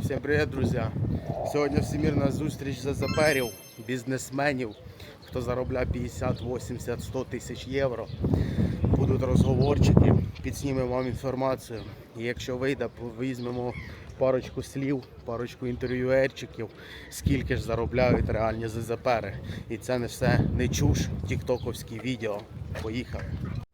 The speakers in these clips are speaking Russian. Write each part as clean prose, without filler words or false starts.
Всім привіт, друзі! Сьогодні всемірна зустріч ЗЗПерів, бізнесменів, хто заробляє 50, 80, 100 тисяч євро. Будуть розговорчики, підснімемо вам інформацію. І якщо вийде, візьмемо парочку слів, парочку інтерв'юерчиків, скільки ж заробляють реальні ЗЗПери. І це не все не чуш, тіктоковські відео. Поїхали!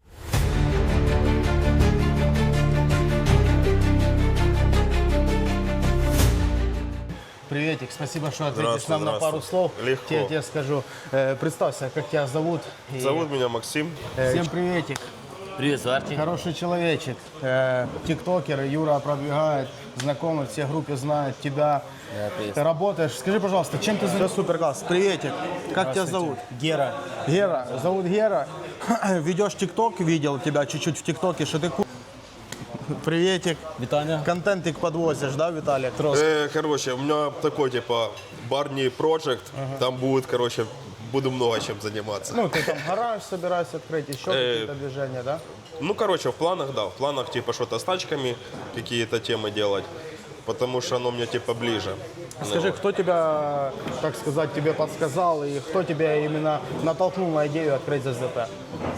Приветик, спасибо, что ответишь нам на пару слов. Легко. Я тебе скажу, представься, как тебя зовут. Зовут меня Максим. Всем приветик. Привет, Арти. Хороший человечек, тиктокер, Юра пробегает, знакомый, все в группе знают тебя. Да, привет. Ты работаешь. Скажи, пожалуйста, чем ты занимаешься? Супер класс. Приветик. Как тебя зовут? Гера. Гера. Зовут Гера. Ведешь тикток, видел тебя чуть-чуть в тиктоке, что ты Приветик. Витаня. Контентик подвозишь, да, Виталик? Короче, у меня такой, типа, барни проект. Там будет, короче, буду много чем заниматься. Ну, ты там гараж собираешься открыть, еще какие-то движения, да? Ну, короче, в планах, да. В планах, типа, что-то с тачками, какие-то темы делать. Потому что оно мне, типа, ближе. Скажи, кто тебя, так сказать, тебе подсказал и кто тебя именно натолкнул на идею открыть ЗЗП?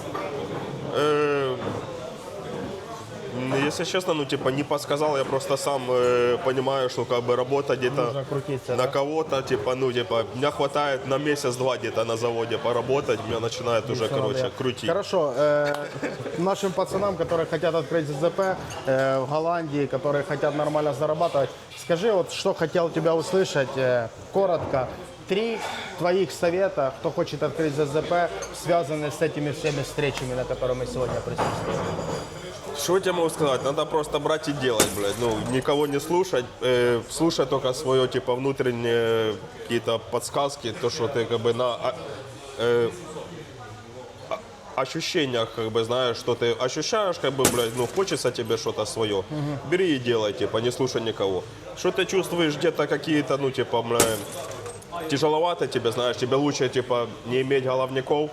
Если честно, ну, типа, не подсказал, я просто сам понимаю, что, как бы, работа где-то Нужно крутиться, на да? кого-то, типа, ну, типа, меня хватает на месяц-два где-то на заводе поработать, меня начинает уже, короче, крутить. Хорошо. Нашим пацанам, которые хотят открыть ЗЗП в Голландии, которые хотят нормально зарабатывать, скажи, вот что хотел тебя услышать, коротко, 3 твоих совета, кто хочет открыть ЗЗП, связанные с этими всеми встречами, на которые мы сегодня присутствуем. Что я тебе могу сказать? Надо просто брать и делать, блядь. Ну, никого не слушать. Слушать только свое, типа, внутренние какие-то подсказки. То, что ты, как бы, на ощущениях, как бы, знаешь, что ты ощущаешь, как бы, блядь, ну, хочется тебе что-то свое. Бери и делай, типа, не слушай никого. Что ты чувствуешь где-то какие-то, ну, типа, блядь, тяжеловато тебе, знаешь, тебе лучше, типа, не иметь головников.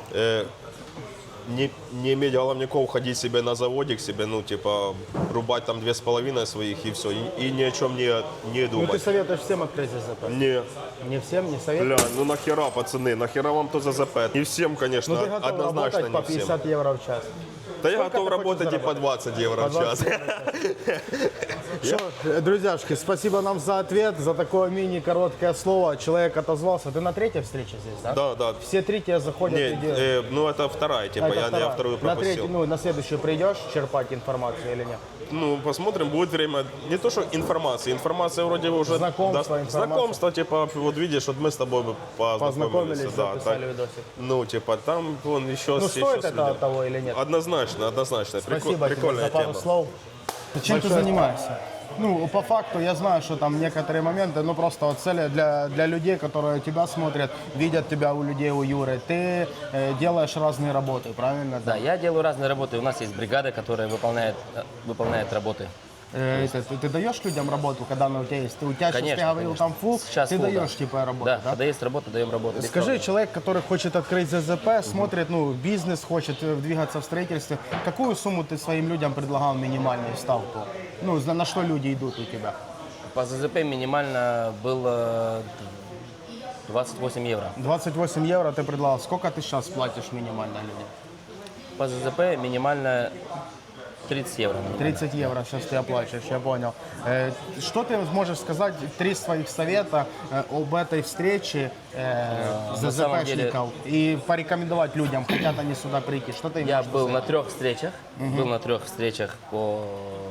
Не иметь головников, ходить себе на заводик, себе, ну, типа, рубать там 2,5 своих и все, и ни о чем не Ну, ты думать. советуешь всем открыть ЗЗП? Не, Не всем, не советуешь? бля, ну нахера, пацаны, нахера вам то ЗЗП? Не всем, конечно, Ну, ты готов однозначно работать по не всем. 50 евро в час? Да я Сколько готов ты хочешь работать и по заработать? 20 евро в 20 час. Что, друзьяшки, спасибо нам за ответ, за такое мини-короткое слово. Человек отозвался. Ты на третьей встрече здесь, да? Да, да. Все три тебе заходят и Не, делают. ну это вторая, типа, А, это я вторая. вторую На пропустил. третью, ну, на следующую придешь черпать информацию или нет? Ну, посмотрим, будет время. Не то, что информация вроде уже... Знакомство, информация. Знакомство, типа, вот видишь, вот мы с тобой бы Познакомились, да, записали так. видосик. Ну, типа, там вон еще... Ну, еще стоит с это людьми. того или нет? Однозначно, однозначно. Спасибо тебе Прикольная за пару тема. слов. Чем ты занимаешься? Ну, по факту, я знаю, что там некоторые моменты, ну, просто вот цели для людей, которые тебя смотрят, видят тебя у людей, у Юры. Ты делаешь разные работы, правильно? Да, я делаю разные работы. У нас есть бригада, которая выполняет работы. Ты даешь людям работу, когда она у тебя есть? У тебя сейчас, Конечно, ты говорил, конечно. там фул, Сейчас ты фул, даешь да. типа работу, Да, да? когда есть работа, даем работу. без Скажи, проблем. человек, который хочет открыть ЗЗП, смотрит, ну, бизнес, хочет двигаться в строительстве, какую сумму ты своим людям предлагал минимальную ставку? Ну, на что люди идут у тебя? По ЗЗП минимально было 28 евро. 28 евро ты предлагал. Сколько ты сейчас платишь минимально людям? По ЗЗП минимально 30 евро. 30 евро сейчас ты оплачиваешь, я понял. Что ты можешь сказать, 3 своих совета об этой встрече На самом деле- ЗЗПшников и порекомендовать людям, хотят они сюда прийти? Что ты Я имеешь в был виду? на 3 встречах. Был на 3 встречах по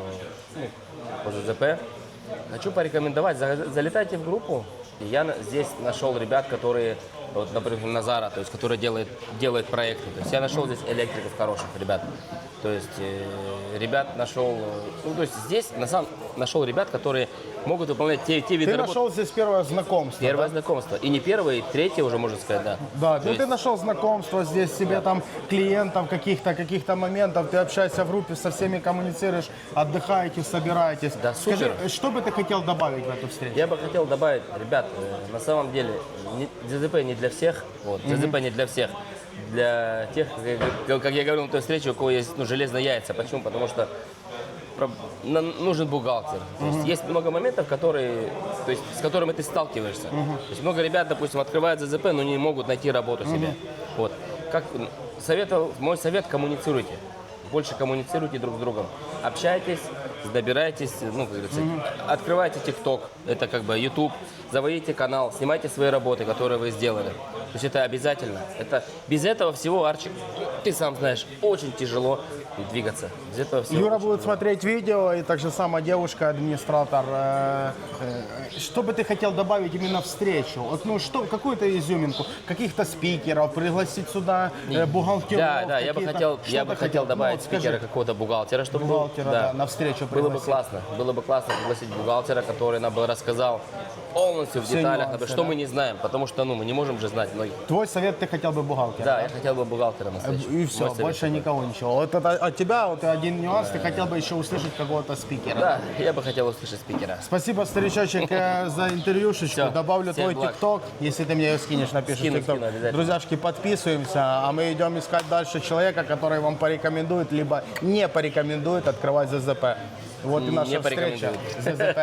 ЗЗП. Хочу порекомендовать, залетайте в группу. И я здесь нашел ребят, которые, вот, например, Назара, то есть, которые делают проекты. То есть я нашел здесь электриков хороших ребят. То есть ребят нашел, ну то есть здесь нашел ребят, которые могут выполнять те виды Ты работ. нашел здесь первое знакомство. Первое знакомство. И не первое, и третье уже, можно сказать, да. Да, То ну есть- ты нашел знакомство здесь, себе там клиентов, каких-то моментов, ты общаешься в группе, со всеми коммуницируешь, отдыхаете, собираетесь. Да, Скажи, супер. что бы ты хотел добавить в эту встречу? Я бы хотел добавить, ребят, на самом деле ЗЗП не для всех, вот, ЗЗП не для всех. Для тех, как я говорил на той встрече, у кого есть железные яйца. Почему? Потому что нужен бухгалтер. То есть, есть много моментов, которые, то есть, с которыми ты сталкиваешься. То есть много ребят, допустим, открывают ЗЗП, но не могут найти работу себе. Вот. Как мой совет, коммуницируйте. Больше коммуницируйте друг с другом. Общайтесь, добирайтесь, ну, как говорится, открывайте ТикТок, это как бы YouTube, заводите канал, снимайте свои работы, которые вы сделали. То есть это обязательно. Это, без этого всего, Арчик, ты сам знаешь, очень тяжело двигаться. Без этого всего Юра очень будет тяжело. смотреть видео, и также сама девушка, администратор. Что бы ты хотел добавить именно в встречу? Вот, ну, что, какую-то изюминку, каких-то спикеров, пригласить сюда бухгалтеров? Да, я бы хотел добавить спикера какого-то бухгалтера, чтобы был. Бухгалтера, да, на встречу Было бы пригласить. классно пригласить бухгалтера, который нам бы рассказал полностью в Все деталях, нюансы, что да? мы не знаем, потому что, ну, мы не можем же знать многих. Твой совет, ты хотел бы бухгалтера? Да, я хотел бы бухгалтера на встречу. И все, Мой совет больше такой. никого ничего. Вот это от тебя вот один нюанс, ты хотел бы еще услышать какого-то спикера. Да, я бы хотел услышать спикера. Спасибо, старичочек, за интервьюшечку. Всё, Добавлю всем твой благ. ТикТок, если ты мне ее скинешь, напишешь Скину, ТикТок. обязательно. Друзьяшки, подписываемся, а мы идем искать дальше человека, который вам порекомендует, либо не порекомендует открывать ЗЗП. Вот и наша Не встреча. порекомендует.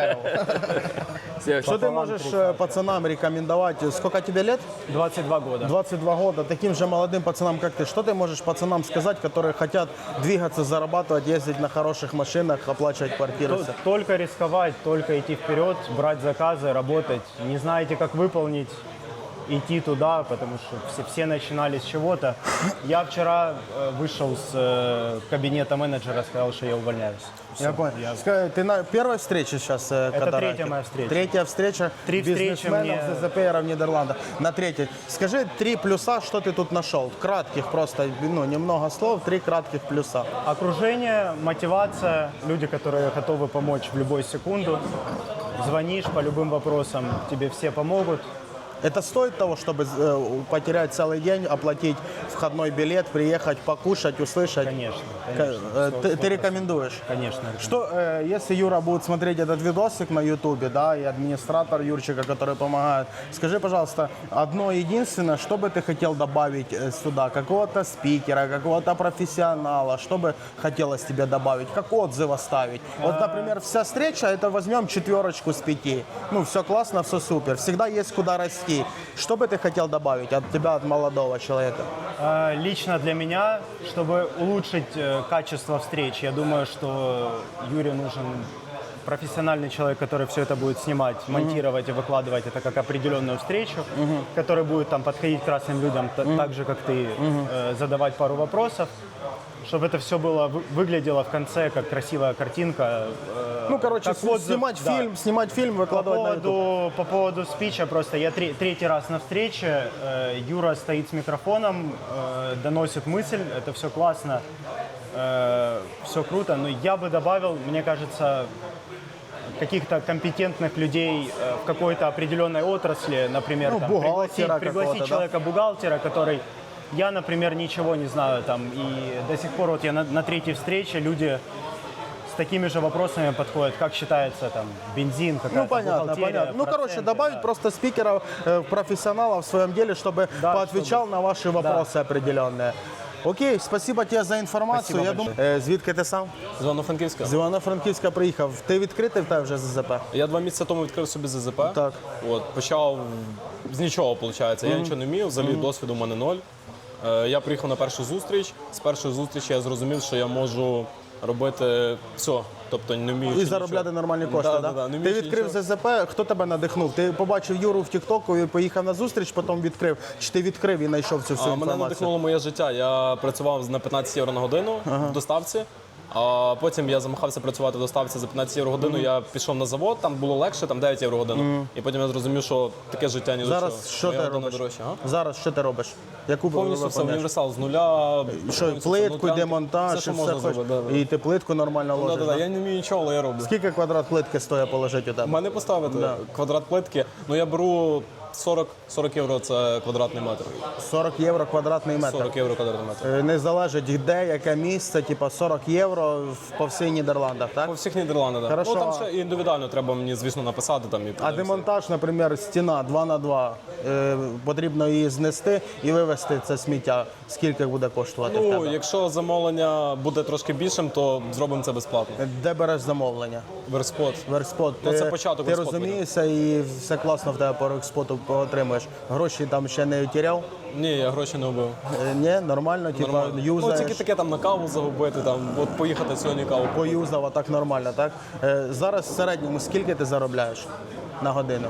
ЗЗП. Всё, Что ты можешь пацанам рекомендовать? Сколько тебе лет? 22 года. 22 года. Таким же молодым пацанам, как ты. Что ты можешь пацанам сказать, которые хотят двигаться, зарабатывать, ездить на хороших машинах, оплачивать квартиры? Только рисковать, только идти вперед, брать заказы, работать. Не знаете, как выполнить, идти туда, потому что все начинали с чего-то. Я вчера вышел с кабинета менеджера, сказал, что я увольняюсь. Я понял. Скажи, ты на первой встрече сейчас? Это третья моя встреча. Третья встреча 3 встречи бизнесменов, мне- ЗЗПРов в Нидерландах. На третьей. Скажи 3 плюса, что ты тут нашел? Кратких просто, ну, немного слов, 3 кратких плюса. Окружение, мотивация, люди, которые готовы помочь в любую секунду. Звонишь по любым вопросам, тебе все помогут. Это стоит того, чтобы потерять целый день, оплатить входной билет, приехать, покушать, услышать? Конечно, Ты рекомендуешь? Конечно. Что, если Юра будет смотреть этот видосик на Ютубе, да, и администратор Юрчика, который помогает, скажи, пожалуйста, одно единственное, что бы ты хотел добавить сюда? Какого-то спикера, какого-то профессионала, что бы хотелось тебе добавить? Как отзыв оставить? Вот, например, вся встреча, это возьмем 4 с 5. Ну, все классно, все супер. Всегда есть куда расти. Что бы ты хотел добавить от тебя, от молодого человека? Лично для меня, чтобы улучшить качество встреч, я думаю, что Юре нужен профессиональный человек, который все это будет снимать, монтировать и выкладывать это как определенную встречу, который будет там подходить к разным людям, так же, как ты, задавать пару вопросов, чтобы это все было, выглядело в конце как красивая картинка. Ну, короче, как отзыв, снимать фильм, выкладывать на YouTube. По поводу спича, просто я третий раз на встрече, Юра стоит с микрофоном, доносит мысль, это все классно, все круто, но я бы добавил, мне кажется, каких-то компетентных людей в какой-то определенной отрасли, например, Ну, там, бухгалтера пригласить какого-то, да? человека-бухгалтера, который, я, например, ничего не знаю, там, и до сих пор вот я на третьей встрече, люди с такими же вопросами подходят, как считается там бензин, какая-то Ну, понятно, бухгалтерия, понятно. Ну, короче, проценты, добавить да. просто спикеров, профессионалов в своем деле, чтобы Да, поотвечал на ваши вопросы определенные. Окей, спасибо тебе за інформацію. Спасибо Я думаю, звідки ти сам? З Івано-Франківська. З Івано-Франківська приїхав. Ти відкритий в тебе вже ЗЗП? Я 2 місяці тому відкрив собі ЗЗП. Так. От, почав з нічого, виходить. Я нічого не вмів, взагалі досвіду в мене 0. Я приїхав на першу зустріч. З першої зустрічі я зрозумів, що я можу робити все. Тобто не вмію. І заробляти нормальні кошти, Да, да? да, да. Не Ти вмієш відкрив нічого. ЗЗП, хто тебе надихнув? Ти побачив Юру в Тіктоку і поїхав на зустріч, потім відкрив? Чи ти відкрив і знайшов цю всю Мене інформацію? надихнуло моє життя. Я працював на 15 євро на годину в доставці. А потім я замахався працювати в доставці за 15 євро годину. Я пішов на завод, там було легше, там 9 євро годину. І потім я зрозумів, що таке життя ні до чого. Зараз що Моя ти година робиш? дорожча, а? Зараз що ти робиш? Яку Повністю все, виконуєш? універсал з нуля. Що, повністю плитку, внутрянки, демонтаж, все, що і можна все хочеш? зробити. Да, І ти плитку нормально ложиш, да. да? Я не вмію нічого, але я роблю. Скільки квадрат плитки стоїть положити у тебе? У мене поставити квадрат плитки, ну я беру 40 євро це квадратний метр. 40 євро квадратний метр. 40 євро квадратний метр. Не залежить де, яке місце, типа 40 євро по всіх Нідерландах, так? По всіх Нідерландах, так. Хорошо. Ну там ще індивідуально треба мені, звісно, написати там і А подивитися. демонтаж, наприклад, стіна 2х2, потрібно її знести і вивезти це сміття. Скільки буде коштувати в Ну, тебе? якщо замовлення буде трошки більшим, то зробимо це безплатно. Де береш замовлення? Верспот. Веркспот. Ну, це початок Ти Веркспот розумієшся і все класно в тебе по Веркспоту отримуєш. Гроші там ще не втіряв? Ні, я гроші не вбив. Ні, нормально, типа Нормально. Ну, юзаєш. тільки таке там на каву загубити, там, от поїхати сьогодні каву. Поюзав, а так нормально, так? Зараз в середньому скільки ти заробляєш на годину?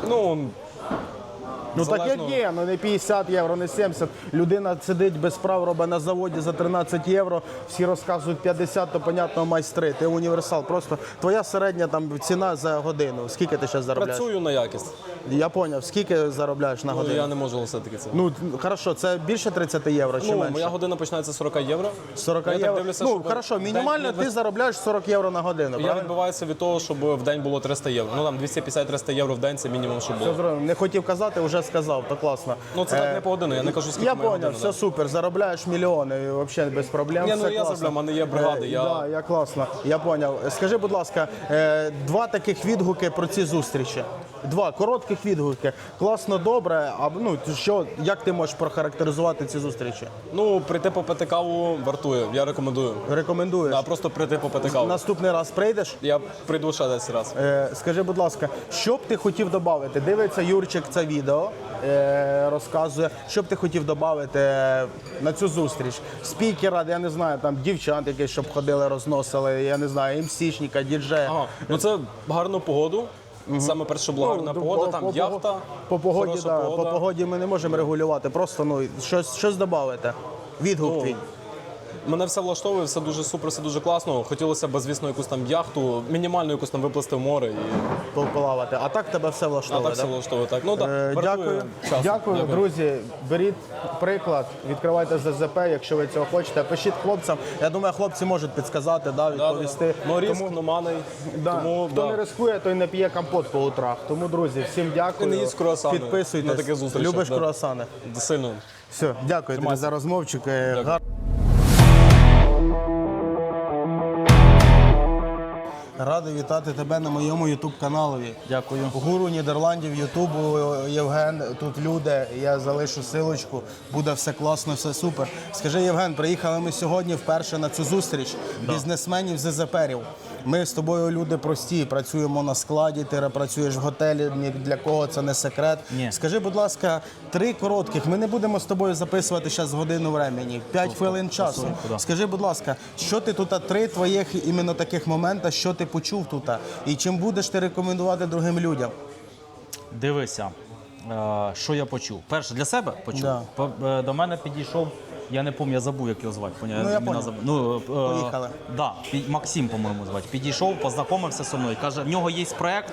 Ну, Ну так як залежно. є, ну не 50 євро, не 70. Людина сидить без прав, робить на заводі за 13 євро, всі розказують 50, то, понятно, майстри. Ти універсал. Просто твоя середня там ціна за годину. Скільки ти зараз заробляєш? Працюю на якість. Я зрозумів. Скільки заробляєш на Ну, годину? я не можу оголосити це. Ну, хорошо, це більше 30 євро чи Ну, менше? моя година починається з 40 євро. 40 Я так євро. дивлюся, Ну, щоб хорошо, в день мінімально не ти заробляєш 40 євро на годину, Я правильно? відбиваюся від того, щоб в день було 300 євро. Ну там 250-300 євро в день це мінімум, щоб Все було. зрозумів. Не хотів казати, вже сказав, то класно. Ну це так не по годину, я не кажу, скільки Я моя понял, година, все да. супер, заробляєш мільйони, взагалі без проблем. Ні, все ну я класно. заробляю, в мене є бригади, я- Да, я класно, я поняв. Скажи, будь ласка, два таких відгуки про ці зустрічі. Два коротких відгуки. Класно, добре. А ну як ти можеш прохарактеризувати ці зустрічі? Ну, прийти попити каву вартує, я рекомендую. Рекомендуєш? Да, просто прийти попити каву. Наступний раз прийдеш? Я прийду ще десь раз. Скажи, будь ласка, що б ти хотів додати? Дивиться Юрчик це відео, розказує, що б ти хотів додати на цю зустріч? Спікера, я не знаю, там дівчат якісь, щоб ходили, розносили, я не знаю, МС-шника, діджея. Ага, ну це гарну погоду. Саме перше, що була гарна погода, там яхта, по погоді, хороша да, погода. по погоді ми не можемо регулювати, просто щось додати. Відгук Ну, твій. Мене все влаштовує, все дуже супер, все дуже класно. Хотілося б, звісно, якусь там яхту, мінімальну якусь там виплисти в море. І... Полавати. А так тебе все А влаштовує, так все да? влаштовує. Так. Ну, так, Дякую. Дякую, друзі. Беріть приклад, відкривайте ЗЗП, якщо ви цього хочете. Пишіть хлопцям. Я думаю, хлопці можуть підсказати, да, відповісти. Ну, риск, ну, маний. Да. Тому, Хто да. не рискує, той не п'є компот по утрах. Тому, друзі, всім дякую. І не їсть круасани Підписуйтесь. на таких зустрічах, Любиш да. круасани? Сильно. Все, дякую тобі за розмовчик. Радий вітати тебе на моєму ютуб-каналові. Дякую. Гуру Нідерландів, Ютубу, Євген, тут люди, я залишу силочку, буде все класно, все супер. Скажи, Євген, приїхали ми сьогодні вперше на цю зустріч бізнесменів ЗЗПерів. Ми з тобою люди прості, працюємо на складі, ти працюєш в готелі, ні для кого це не секрет. Ні. Скажи, будь ласка, 3 коротких, ми не будемо з тобою записувати зараз годину времени, 5 хвилин часу. да. Скажи, будь ласка, що ти тут, 3 твоїх іменно таких момента, що ти почув тут, і чим будеш ти рекомендувати другим людям? Дивися, що я почув. Перше, для себе почув. Да. До мене підійшов, я не пам'ятаю, я забув, як його звати. Ну, я понял. Поїхали. Да, Максим, по-моєму, звати. Підійшов, познайомився зі мною. Каже, в нього є проєкт,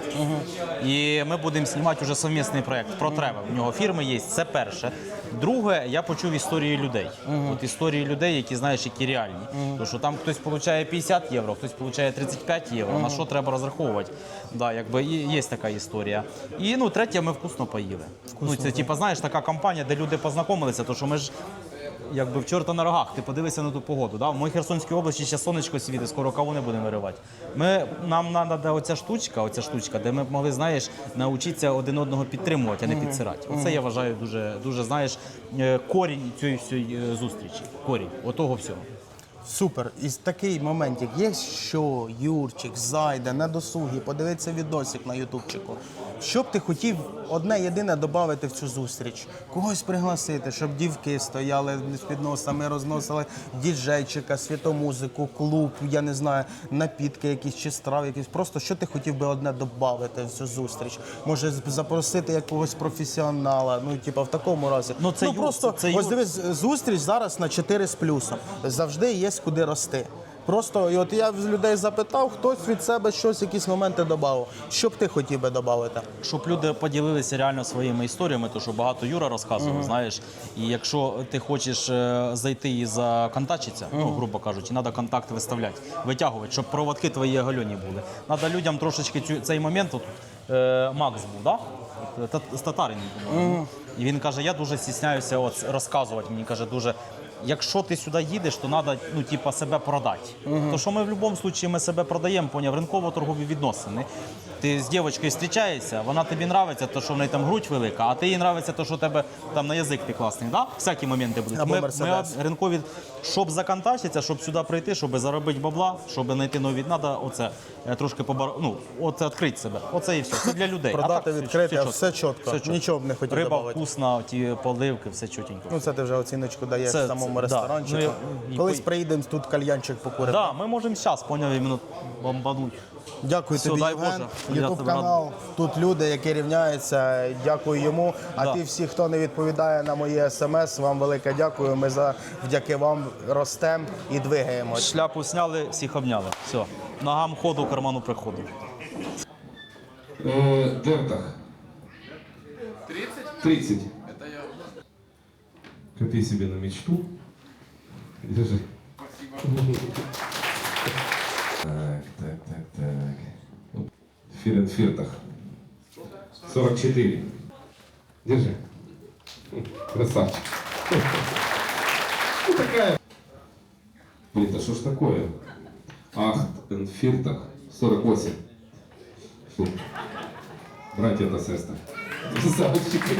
і ми будемо знімати вже совмісний проєкт про тревел. В нього фірми є, це перше. Друге, я почув історії людей. От історії людей, які, знаєш, які реальні. Тому що там хтось отримує 50 євро, хтось отримує 35 євро. На що треба розраховувати? Да, якби є така історія. І ну, третє, ми вкусно поїли. Ну, це, типу, знаєш, така компанія, де люди познайомилися, тому що ми ж якби в чорта на рогах, ти подивися на ту погоду. Да? В моїй Херсонській області ще сонечко світить, скоро каву не будемо виривати. Нам треба оця штучка, де ми б могли, знаєш, навчитися один одного підтримувати, а не підсирати. Оце я вважаю дуже, знаєш, корінь цієї всієї зустрічі. Корінь отого всього. Супер. І такий моментик є, що Юрчик зайде на досугі, подивиться відосик на ютубчику. Що б ти хотів одне єдине додати в цю зустріч? Когось пригласити, щоб дівки стояли з підносами, розносили діджейчика, світомузику, клуб, я не знаю, напітки якісь чи страви якісь. Просто що ти хотів би одне додати в цю зустріч? Може запросити якогось професіонала, ну типу в такому разі. Ну, це просто це ось дивись, зустріч зараз на 4 з плюсом. Завжди є куди рости. Просто, і от я в людей запитав, хтось від себе щось, якісь моменти додав. Що б ти хотів би додати? Щоб люди поділилися реально своїми історіями, то що багато Юра розказував, знаєш. І якщо ти хочеш зайти і законтачитися, ну, грубо кажучи, треба контакт виставляти, витягувати, щоб проводки твої оголені були. Треба людям трошечки цей момент, от, Макс був, да? З Татарин, по-моєму. І він каже, я дуже стісняюся от розказувати. Мені каже, дуже. Якщо ти сюди їдеш, то треба ну, типа, себе продати. То що ми в будь-якому випадку ми себе продаємо, поняв, ринково-торгові відносини. Ти з дівчинкою зустрічаєшся, вона тобі подобається, то що в неї там грудь велика, а ти їй подобається, то що у тебе там на язик ти класний. Да? Всякі моменти будуть. Або Ми Мерседес. ринкові, щоб законтачитися, щоб сюди прийти, щоб заробити бабла, щоб знайти нові, треба оце трошки оце відкрити себе. Оце і все. Це для людей. Продати, а так, відкрити, чітко. все чітко. Нічого б не хотів Риба добавити. вкусна, ті поливки, все чотенько. Ну це ти вже оціночку даєш Це- в самому да. ресторанчику. Ну, Колись приїдемо, тут кальянчик покуримо. Да, ми можемо зараз, поняв, іменно бомбануть. Дякую Все, тобі, дай Євген. Боже. Я Ютуб тебе канал. Тут люди, які рівняються. Дякую йому. А Да. ті всі, хто не відповідає на мої смс, вам велике дякую. Ми завдяки вам ростемо і двигаємось. Шляпу сняли, всіх обняли. Все. Ногам ходу, карману приходу. Дертах. 30? Это я. Копи себе на мечту. Держи. Так. Фиртах. 44. Держи. Красавчик. Ну такая. Блин, да что ж такое? Фиртах. 48. Фу. Братья та сестри. Красавчики.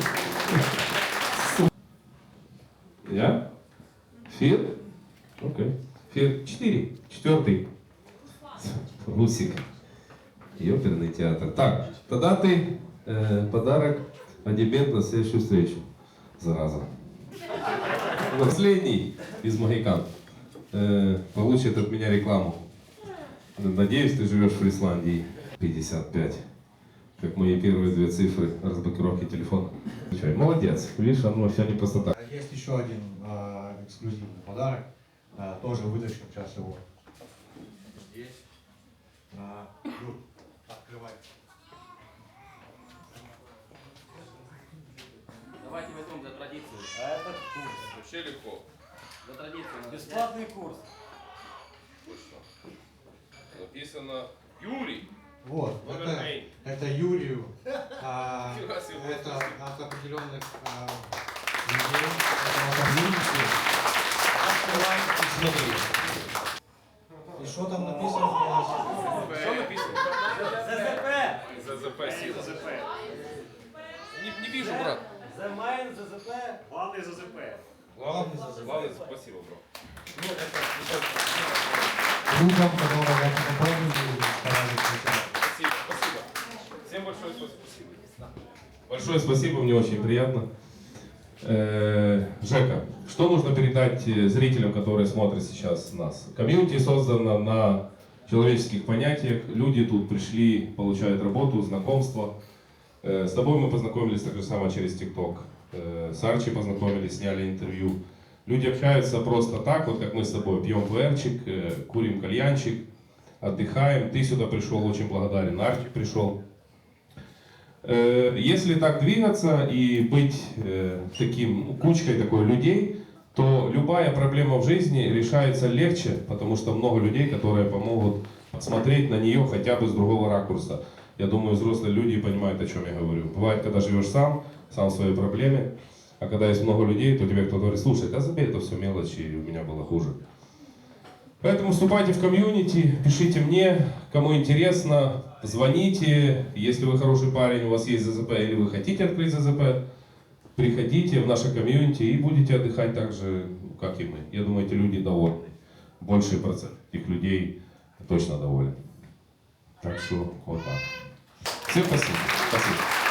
Я? Фир? Окей. Фир 4. 4. Русик. Ёперный театр. Так, тогда ты подарок одебент на следующую встречу. Зараза. Последний из Магикан получит от меня рекламу. Надеюсь, ты живешь в Исландии. 55. Как мои первые 2 цифры разблокировки телефона. Молодец. Видишь, оно все не просто так. Есть еще один эксклюзивный подарок. Тоже вытащим сейчас его. Здесь. Юр, открывай. Давайте возьмем за традицию. А этот курс. Вообще легко. За традицию. Бесплатный курс. Написано Юрий. Вот, это Юрию. Это от определенных людей. Это комьюнити. Открывай и смотри. И что там написано? Что написано? ЗЗП. ЗЗП сила. Не вижу, брат. The main ЗЗП. Главный ЗЗП. Главное, спасибо, бро. Людям, которые я попробую, старались. Спасибо. Всем большое спасибо. Большое спасибо, мне очень приятно. Жека, что нужно передать зрителям, которые смотрят сейчас нас? Комьюнити создано на человеческих понятиях. Люди тут пришли, получают работу, знакомство. С тобой мы познакомились так же самое через ТикТок. С Арчи познакомились, сняли интервью. Люди общаются просто так, вот как мы с тобой. Пьем ПРчик, курим кальянчик, отдыхаем. Ты сюда пришел, очень благодарен. Арчи пришел. Если так двигаться и быть таким кучкой такой людей, то любая проблема в жизни решается легче, потому что много людей, которые помогут смотреть на нее хотя бы с другого ракурса. Я думаю, взрослые люди понимают, о чем я говорю. Бывает, когда живешь сам в своей проблеме, а когда есть много людей, то тебе кто-то говорит, слушай, да забей, это все мелочи, у меня было хуже. Поэтому вступайте в комьюнити, пишите мне, кому интересно, звоните. Если вы хороший парень, у вас есть ЗЗП или вы хотите открыть ЗЗП, приходите в наше комьюнити и будете отдыхать так же, как и мы. Я думаю, эти люди довольны. Больший процент этих людей точно доволен. Так что вот так. Всем спасибо. Спасибо.